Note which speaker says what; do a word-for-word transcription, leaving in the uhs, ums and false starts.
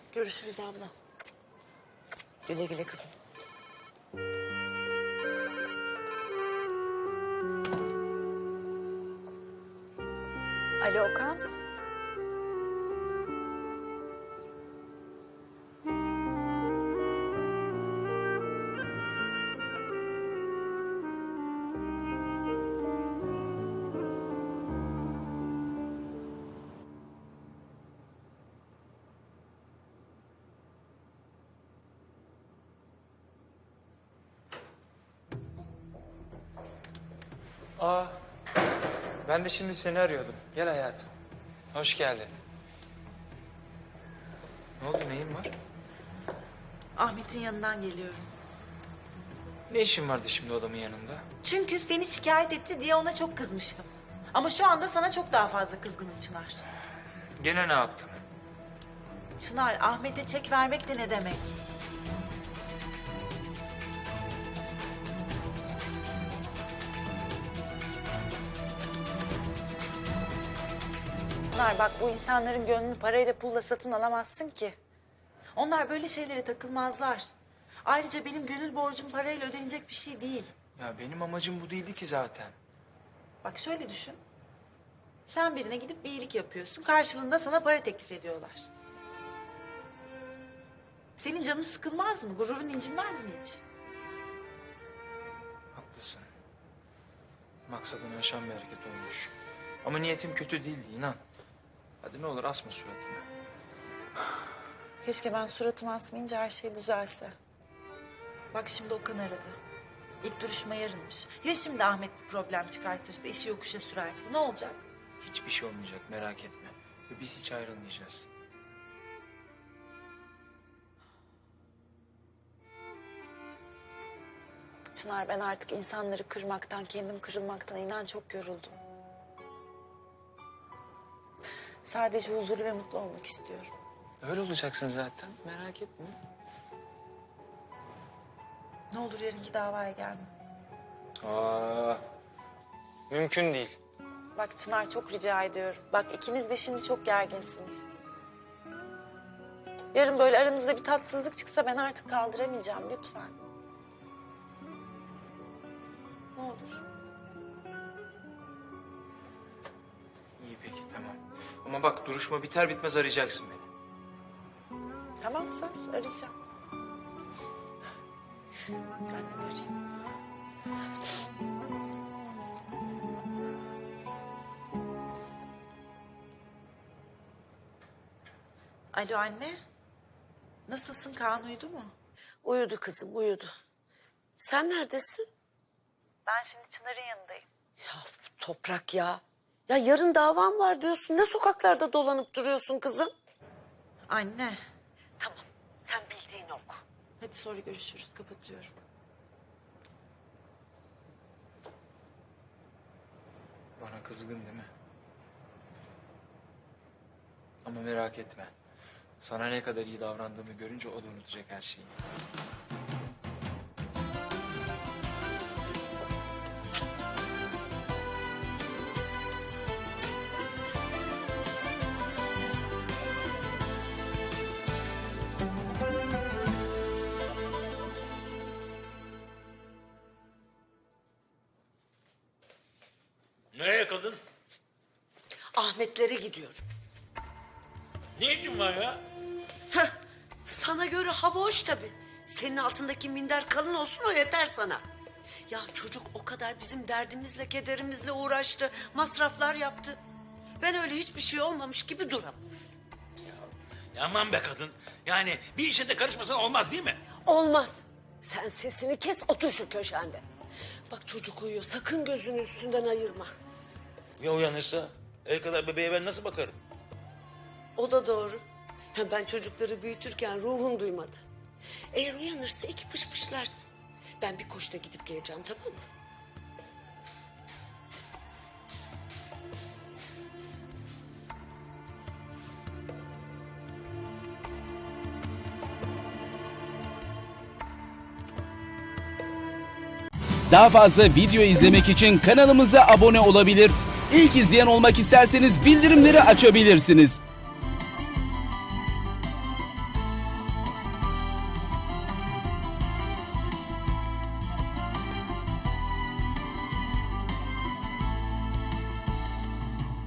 Speaker 1: Görüşürüz abla. Güle güle kızım. Alo Okan.
Speaker 2: Aa, ben de şimdi seni arıyordum. Gel hayatım. Hoş geldin. Ne oldu, neyin var?
Speaker 1: Ahmet'in yanından geliyorum.
Speaker 2: Ne işin vardı şimdi adamın yanında?
Speaker 1: Çünkü seni şikayet etti diye ona çok kızmıştım. Ama şu anda sana çok daha fazla kızgınım Çınar.
Speaker 2: Gene ne yaptın?
Speaker 1: Çınar, Ahmet'e çek vermek de ne demek? Çınar bak, bu insanların gönlünü parayla pulla satın alamazsın ki. Onlar böyle şeylere takılmazlar. Ayrıca benim gönül borcum parayla ödenecek bir şey değil.
Speaker 2: Ya benim amacım bu değildi ki zaten.
Speaker 1: Bak şöyle düşün. Sen birine gidip bir iyilik yapıyorsun. Karşılığında sana para teklif ediyorlar. Senin canın sıkılmaz mı? Gururun incinmez mi hiç?
Speaker 2: Haklısın. Maksadını aşan bir hareket olmuş. Ama niyetim kötü değildi, inan. Hadi ne olur asma suratını.
Speaker 1: Keşke ben suratımı asmayınca her şey düzelse. Bak şimdi Okan aradı. İlk duruşma yarınmış. Ya şimdi Ahmet bir problem çıkartırsa, işi yokuşa sürerse ne olacak?
Speaker 2: Hiçbir şey olmayacak, merak etme. Ve biz hiç ayrılmayacağız.
Speaker 1: Çınar, ben artık insanları kırmaktan, kendim kırılmaktan inan çok yoruldum. Sadece huzurlu ve mutlu olmak istiyorum.
Speaker 2: Öyle olacaksın zaten, merak etme.
Speaker 1: Ne olur yarınki davaya gelme.
Speaker 2: Aa, mümkün değil.
Speaker 1: Bak Çınar, çok rica ediyorum. Bak ikiniz de şimdi çok gerginsiniz. Yarın böyle aranızda bir tatsızlık çıksa ben artık kaldıramayacağım, lütfen. Ne olur.
Speaker 2: İyi peki, tamam. Ama bak duruşma biter bitmez arayacaksın beni.
Speaker 1: Tamam, söz arayacağım. Ben de arayayım. Alo anne. Nasılsın? Kaan uyudu mu?
Speaker 3: Uyudu kızım, uyudu. Sen neredesin?
Speaker 1: Ben şimdi Çınar'ın yanındayım.
Speaker 3: Ya Toprak ya. Ya yarın davam var diyorsun. Ne sokaklarda dolanıp duruyorsun kızım?
Speaker 1: Anne.
Speaker 3: Tamam, sen bildiğini oku.
Speaker 1: Hadi sonra görüşürüz. Kapatıyorum.
Speaker 2: Bana kızgın değil mi? Ama merak etme. Sana ne kadar iyi davrandığımı görünce o da unutacak her şeyi.
Speaker 4: Nereye kadın?
Speaker 3: Ahmetlere gidiyorum.
Speaker 4: Ne işin var ya?
Speaker 3: Heh, sana göre hava hoş tabii. Senin altındaki minder kalın olsun, o yeter sana. Ya çocuk o kadar bizim derdimizle, kederimizle uğraştı. Masraflar yaptı. Ben öyle hiçbir şey olmamış gibi duramam.
Speaker 4: Ya aman be kadın. Yani bir işe de karışmasan olmaz değil mi?
Speaker 3: Olmaz. Sen sesini kes, otur şu köşende. Bak çocuk uyuyor, sakın gözünü üstünden ayırma.
Speaker 4: Ya uyanırsa? El kadar bebeğe ben nasıl bakarım?
Speaker 3: O da doğru. Ya ben çocukları büyütürken ruhum duymadı. Eğer uyanırsa iki pışpışlarsın. Ben bir koşta gidip geleceğim, tamam mı?
Speaker 5: Daha fazla video izlemek için kanalımıza abone olabilir. İlk izleyen olmak isterseniz bildirimleri açabilirsiniz.